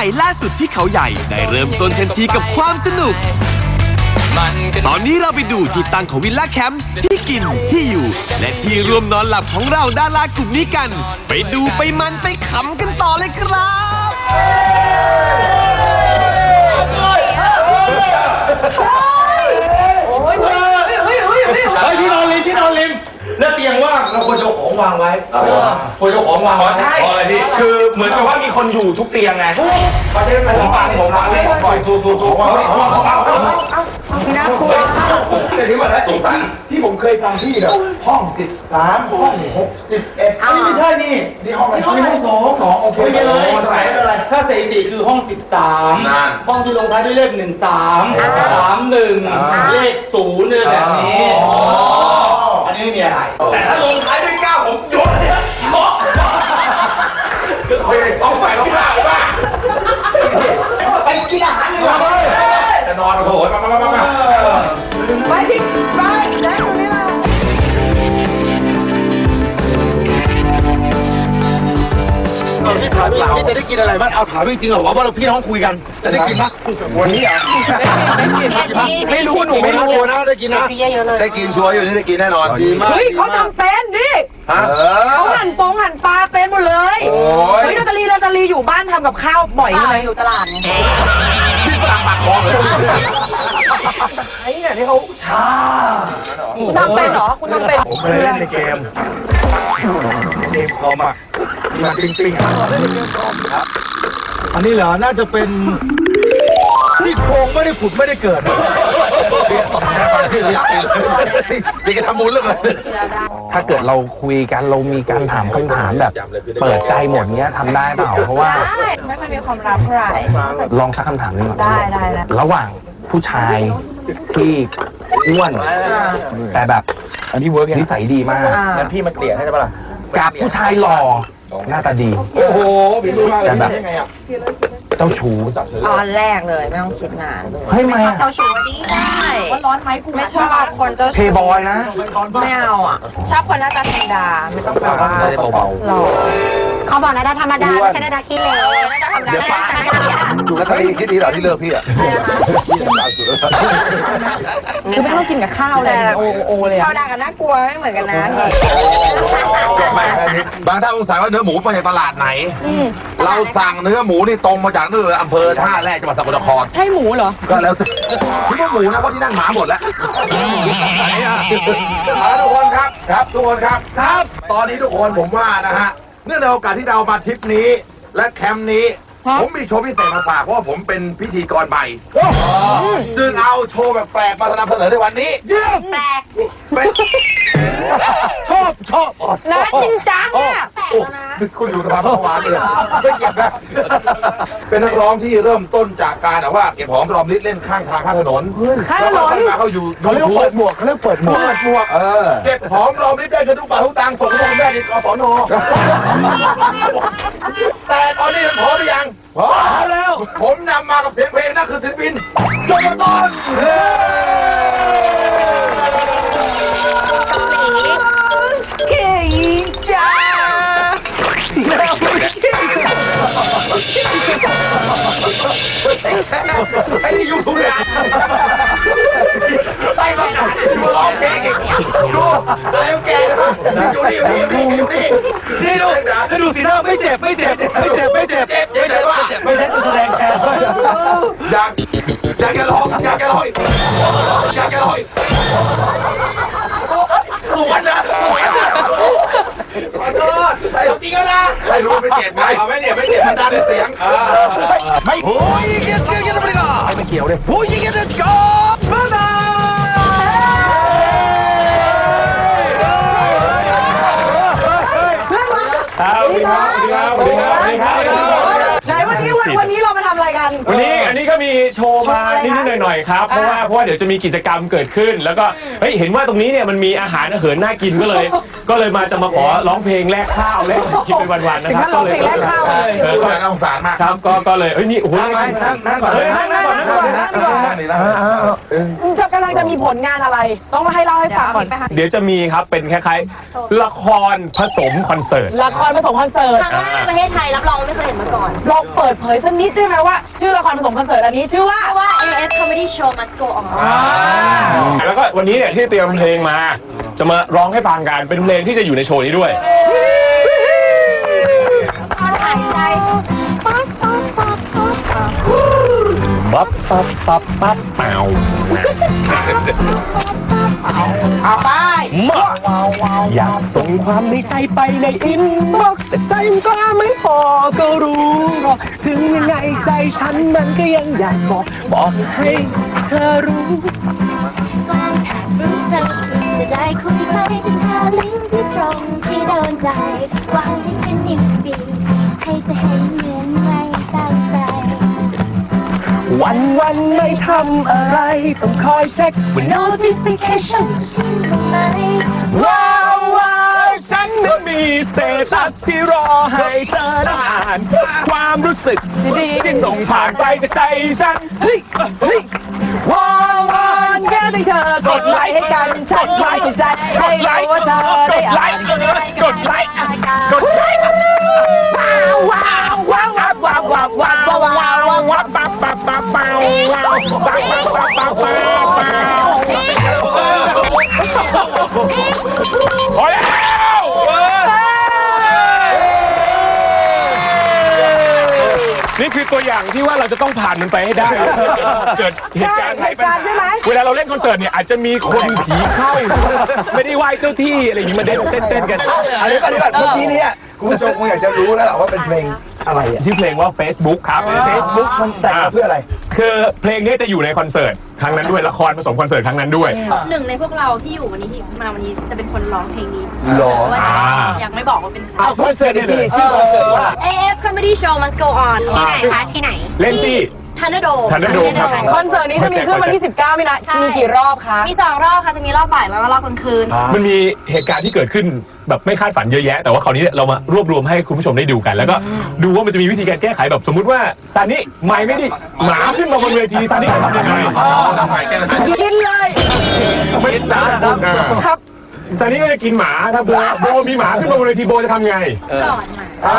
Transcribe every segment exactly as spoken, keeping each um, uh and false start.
ม่ล่าสุดที่เขาใหญ่ได้เริ่มต้นทันทีกับความสนุกตอนนี้เราไปดูที่ตั้งของวิลล่าแคมป์ที่กินที่อยู่และที่รวมนอนหลับของเราดารากลุ่มนี้กันไปดูไปมันไปขำกันต่อเลยครับเฮ้ยพี่นอนริมพี่นอนริมแล้วเตียงว่างเราควรจะของวางไว้ควรจะของวางไว้ใช่คือเหมือนกับว่ามีคนอยู่ทุกเตียงไงเพราะฉะนั้นผมวางผมวางเลยปล่อยถูกถูกถูกของวางของวางของวางน่ากลัวแต่ที่ว่าสงสัยที่ผมเคยฟังพี่เนี่ยห้องสิบสามห้องหกสิบเอ็ดอันนี้ไม่ใช่นี่นี่ห้องอะไรห้องสองสองโอเคไม่เลยใส่ไม่เป็นไรถ้าสถิติคือห้องสิบสามห้องที่ลงท้ายด้วยเลขหนึ่งสามสามหนึ่งเลขศูนย์เนี่ยแบบนี้อันนี้ไม่มีอะไรแต่ถ้าลงท้ายด้วยเก้าผมยกเลยยกต้องไปต้องข้าวป่ะไปกินอาหารเลยจะนอนโอ้โหมามามามาไปที่ไปแล้วตรงนี้มาพี่ถามพี่พี่จะได้กินอะไรบ้างเอาถามจริงๆเหรอว่าเราพี่น้องคุยกันจะได้กินมั้ยวันนี้อ่ะได้กินไม่รู้หนูไม่รู้ชัวร์นะได้กินนะได้กินชัวร์อยู่นี่ได้กินแน่นอนดีมากเฮ้ยเขาทำเป็นดิเขาหั่นปงหั่นปลาเป็นหมดเลยเฮ้ยนาตาลีนาตาลีอยู่บ้านทำกับข้าวบ่อยใช่ไหมอยู่ตลาดไงที่ฝรั่งปากคลองเลยไอ้เนี่ยที่เขาชาคุณทำเป็นเหรอคุณทำเป็นผมไปเล่นในเกมเกมคอมอ่ะมาปิงปิงอันนี้เหรอน่าจะเป็นที่โครงไม่ได้ผุดไม่ได้เกิดได้ฟังชื่ออยากกินดีกันทำมูลเรื่องเลยถ้าเกิดเราคุยกันเรามีการถามคำถามแบบเปิดใจหมดเงี้ยทำได้เปล่าเพราะว่าไม่ค่อยมีความลับเท่าไหร่ลองสักคำถามนึงได้ได้แล้วระหว่างผู้ชายที่อ้วนแต่แบบอันนี้เวิร์กนิสัยดีมากงั้นพี่มาเกลี่ยให้ได้ปะล่ะกับผู้ชายหล่อหน้าตาดีโอ้โหพี่รู้มากเลยแบบเจ้าชู้ตอนแรกเลยไม่ต้องคิดนานเฮ้ยไม่เจ้าชู้ดีใช่ว่าร้อนไหมกูไม่ชอบคนเจ้าชู้เพย์บอยนะไม่เอาอ่ะชอบคนหน้าตาธรรมดาไม่ต้องแบบว่าเบาๆเขาบอกหน้าตาธรรมดาไม่ใช่หน้าตาขี้เหร่หน้าตาธรรมดาหน้าตาธรรมดาดูแล้วทะเลคิดดีเหรอที่เลิกพี่อ่ะคือไม่ต้องกินกับข้าวเลยโอโอเลยข้าวดากับน่ากลัวไม่เหมือนกันนะพี่บางท่านสงสัยว่าเนื้อหมูมาจากตลาดไหนเราสั่งเนื้อหมูนี่ตรงมาจากนู่นอำเภอท่าแรกจังหวัดสกลนครใช่หมูเหรอก็แล้วคิดว่าหมูนะเพราะที่นั่นหมาหมดแล้วทุกคนครับครับทุกคนครับครับตอนนี้ทุกคนผมว่านะฮะเนื่องในโอกาสที่เรามาทริปนี้และแคมป์นี้ผมมีโชว์พิเศษมาฝากเพราะว่าผมเป็นพิธีกรใหม่จึงเอาโชว์แบบแปลกมานำเสนอในวันนี้เยี่ยมแปลกชอบชอบนะจริงจังเนี่ยคุณอยู่สภาพประวานเลยไม่เก็บนะเป็นนักร้องที่เริ่มต้นจากการว่าเก็บหอมรอมริดเล่นข้างทางข้างถนนข้างถนนเขาอยู่เขาเรียกเปิดหมวกเขาเรียกเปิดหมวกเปิดหมวกเก็บหอมรอมริดได้กันทุกบาททุกตังค์ส่งโรงแม่ดิกศนแต่ตอนนี้พร้อมหรือยังพร้อมแล้วผมนำมากับเสียงเพลงนั่นคือศิลปินโจมาตอนเก่งจ้าไอ้นี่ยูทูบเนี่ยไปมาหนาดูร้องเพลงดูอะไรแกนะครับอยู่นี่อยู่นี่อยู่นี่นี่ดูนี่ดูสีหน้าไม่เจ็บไม่เจ็บไม่เจ็บไม่เจ็บไม่เจ็บไม่เจ็บไม่ใช่แสดงแกอยากอยากแกร้องอยากแกร้องอยากแกร้องสวนนะสวนนะขอโทษจริงแล้วนะไม่รู้ไม่เจ็บไงไม่เจ็บไม่เจ็บมันดันเสียงไม่โอ้ยเกี่ยวเกี่ยวเกี่ยวอะไรกันไม่เกี่ยวเลยโอ้ยเกี่ยวเกี่ยวกับบ้าสวัสดีครับสวัสดีครับสวัสดีครับสวัสดีครับไหนวันนี้วันวันนี้เรามาทำอะไรกันวันนี้อันนี้ก็มีโชว์มานิดๆหน่อยๆครับเพราะว่าเพราะว่าเดี๋ยวจะมีกิจกรรมเกิดขึ้น แล้วก็เฮ้ยเห็นว่าตรงนี้เนี่ยมันมีอาหารอาเหินน่ากินก็เลย ก็เลยมาจะมาขอร้องเพลงแลกข้าวแลกกินเป็นวันๆนะครับก็เลยแลกข้าวเลยเออก็สงสารมากครับก็ก็เลยเอ้ยนี่โอ้โหนั่งนั่งก่อนเลยนั่งก่อนนั่งก่อนนั่งก่อนจะกำลังจะมีผลงานอะไรต้องให้เล่าให้ฟังก่อนเดี๋ยวจะมีครับเป็นคล้ายๆละครผสมคอนเสิร์ตละครผสมคอนเสิร์ตครั้งแรกในประเทศไทยรับรองไม่เคยเห็นมาก่อนลองเปิดเผยสักนิดได้ไหมว่าชื่อละครผสมคอนเสิร์ตอันนี้ชื่อว่าว่า เอ เอฟ Comedy Show Must Go On แล้วก็วันนี้เนี่ยที่เตรียมเพลงมาจะมาร้องให้ฟังกันเป็นเพลงที่จะอยู่ในโชว์นี้ด้วยปั๊บปั๊บปั๊บปั๊บเปล่าเอาไปอยากส่งความในใจไปในอินบ็อกซ์แต่ใจมันก็ไม่พอก็รู้หรอกถึงยังไงใจฉันมันก็ยังอยากบอกบอกให้เธอรู้กางแถบรู้เธอจะได้คุยใครจะชาลิงที่ตรงที่โดนใจวางให้เป็นนิวสปีดให้จะเห็นเหมือนไม่ตั้งใจวันวันไม่ทำอะไรต้องคอยเช็คว่า notification ฉันบ้างไหมว้าวว้าวฉันนั้นมีสเตตัสที่รอให้เธอได้อ่านความรู้สึกดีที่ส่งผ่านไปจากใจฉันเฮ้ยเฮ้ยว้าวว้าวแค่ให้เธอกดไลค์ให้กันฉันความสนใจให้รู้ว่าเธอได้อ่านกดไลค์กดไลค์ว้าวว้าวว้าวว้าวว้าวว้าวว้าวว้าวว้าวว้าวปั๊บปั๊บปั๊บปั๊บว้าวปั๊บปั๊บปั๊บปั๊บปั๊บพอแล้วนี่คือตัวอย่างที่ว่าเราจะต้องผ่านมันไปให้ได้เกิดเหตุการณ์ใช่ไหมเวลาเราเล่นคอนเสิร์ตเนี่ยอาจจะมีคนผีเข้าไม่ได้ไหว้เจ้าที่อะไรอย่างนี้มาเต้นเต้นกันอันนี้ก็ดีแบบเมื่อกี้นี้คุณผู้ชมคงอยากจะรู้แล้วแหละว่าเป็นเพลงอะไรชื่อเพลงว่า Facebook ครับ Facebook มันแต่งเพื่ออะไรคือเพลงนี้จะอยู่ในคอนเสิร์ตครั้งนั้นด้วยละครผสมคอนเสิร์ตครั้งนั้นด้วยหนึ่งในพวกเราที่อยู่วันนี้ที่มาวันนี้จะเป็นคนร้องเพลงนี้ร้องอยากไม่บอกว่าเป็นใครคอนเสิร์ตที่ชื่อคอนเสิร์ตว่าเอ เอฟ Comedy Show Must Go On ที่ไหนคะที่ไหนเล่นที่ทันเดอร์โดมทันเดอร์โดมครับคอนเสิร์ตนี้จะมีขึ้นวันที่สิบเก้ามีนามีกี่รอบคะมีสองรอบค่ะจะมีรอบบ่ายแล้วก็รอบกลางคืนมันมีเหตุการณ์ที่เกิดขึ้นแบบไม่คาดฝันเยอะแยะแต่ว่าคราวนี้เรามารวบรวมให้คุณผู้ชมได้ดูกันแล้วก็ดูว่ามันจะมีวิธีการแก้ไขแบบสมมุติว่าซานิไม่ไม่ดิหมาขึ้นมาบนเวทีซานิทำยังไงกินเลยไม่กินหมาครับซานิก็จะกินหมาถ้าโบโบมีหมาขึ้นมาบนเวทีโบจะทำไงก่อน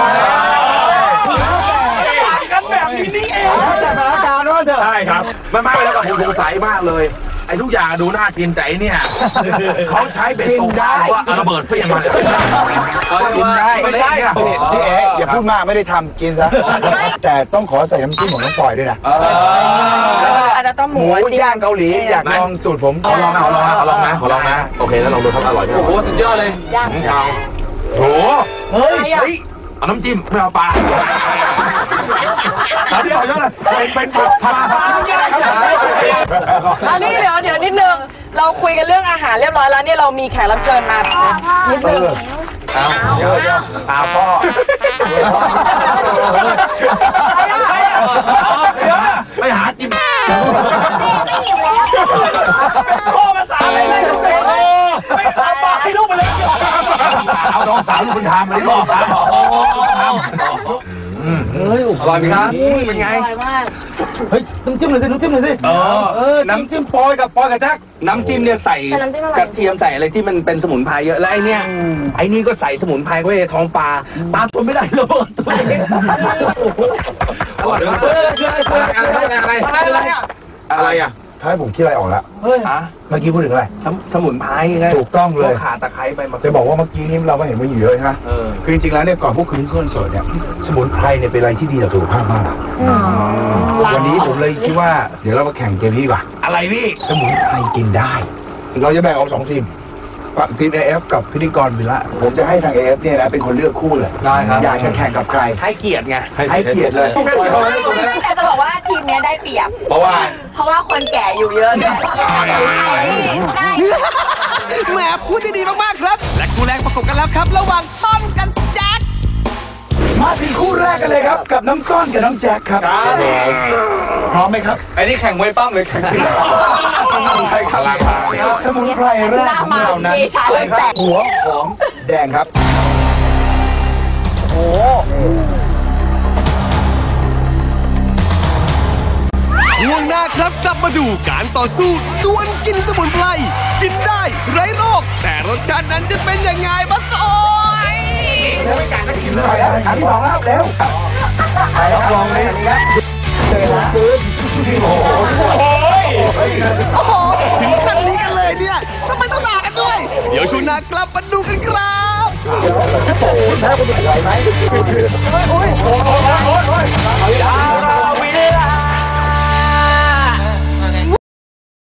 มากันแบบนี้นี่เองสถานการณ์ว่าเถอะใช่ครับไม่ไม่แล้วก็ผมสงสัยมากเลยไอ้ทุกอย่างดูน่ากินแต่เนี่ยเขาใช้เบ็ดตกได้ว่าระเบิดเพี้ยงมาเลยกินได้ไม่ใช่พี่เอ๋อย่าพูดมากไม่ได้ทำกินซะแต่ต้องขอใส่น้ำจิ้มของน้องปอยด้วยนะอันนั้นต้องหมูย่างเกาหลีอยากลองสูตรผมขอลองนะขอลองนะขอลองนะขอลองนะโอเคแล้วลองดูครับอร่อยไหมโอ้โหสุดยอดเลยย่างโอ้เฮ้ยเอาน้ำจิ้มไม่เอาปลาเดี๋ยวเป็นเป็นผัดอันนี้เดี๋ยวเดี๋ยวนิดนึงเราคุยกันเรื่องอาหารเรียบร้อยแล้วเนี่ยเรามีแขกรับเชิญมานิดนึงเอาเดี๋ยวเดี๋ยวเอาพ่อไปหาจิ้มไม่หิวแล้วพ่อมาสาอะไรเลยไม่เอาปลาให้ลูกไปเลยเอาน้องสาวลูกคุณทำมาดิลูกครับเฮ้ยอร่อยไหมครับเป็นไงเฮ้ยน้ำจิ้มหน่อยสิน้ำจิ้มหน่อยสิเออน้ำจิ้มปอยกับปอยกับแจ็คน้ำจิ้มเนี่ยใส่กระเทียมใส่อะไรที่มันเป็นสมุนไพรเยอะแล้วไอ้เนี่ยไอ้นี่ก็ใส่สมุนไพรไว้ท้องปลาปลาทนไม่ได้ระเบิดตัวเองอร่อยเลยอะไรอะไรอะไรอะไรอ่ะให้ผมคิดอะไรออกแล้วเฮ้ยเมื่อกี้พูดถึงอะไรสมุนไพรไงถูกต้องเลยขาตะไคร้ไปจะบอกว่าเมื่อกี้นี้เราก็เห็นว่าอยู่เยอะใช่ไหมคือจริงๆแล้วเนี่ยก่อนพวกคุณขึ้นเสิร์ตเนี่ยสมุนไพรเนี่ยเป็นอะไรที่ดีต่อสุขภาพมากวันนี้ผมเลยคิดว่าเดี๋ยวเรามาแข่งเกมนี้ดีกว่าอะไรพี่สมุนไพรกินได้เราจะแบ่งออกสองทีมทีม เอ เอฟ กับพิธีกรวิละผมจะให้ทาง เอ เอฟ เนี่ยนะเป็นคนเลือกคู่เลยได้ครับอยากจะแข่งกับใครให้เกียรติไงให้เกียรติเลยแต่จะบอกว่าทีมนี้ได้เปรียบเพราะว่าเพราะว่าคนแก่อยู่เยอะแหมพูดดีๆมากๆครับและคู่แรกประกบกันแล้วครับระหว่างต้นกันแจ็คมาถึงคู่แรกกันเลยครับกับน้องก้อนกับน้องแจ็คครับพร้อมไหมครับไอ้นี่แข่งมวยปั้มเลยแข่งใครครับสมุนไพรแรกของเรานั้นหัวหอมแดงครับโอ้ช่วงหน้าครับกลับมาดูการต่อสู้ดวลกินสมุนไพรกินได้ไร้โรคแต่รสชาตินั้นจะเป็นยังไงบ้างโอ้ยไปแล้วอันที่สองแล้วเร็วไปแล้วลองเลยครับเจอแล้วปืนโอ้โหโอ้โหถึงขั้นนี้กันเลยเนี่ยทำไมต้องด่ากันด้วย เดี๋ยวช่วงหน้ากลับมาดูกันครับแล้วคุณไหวไหม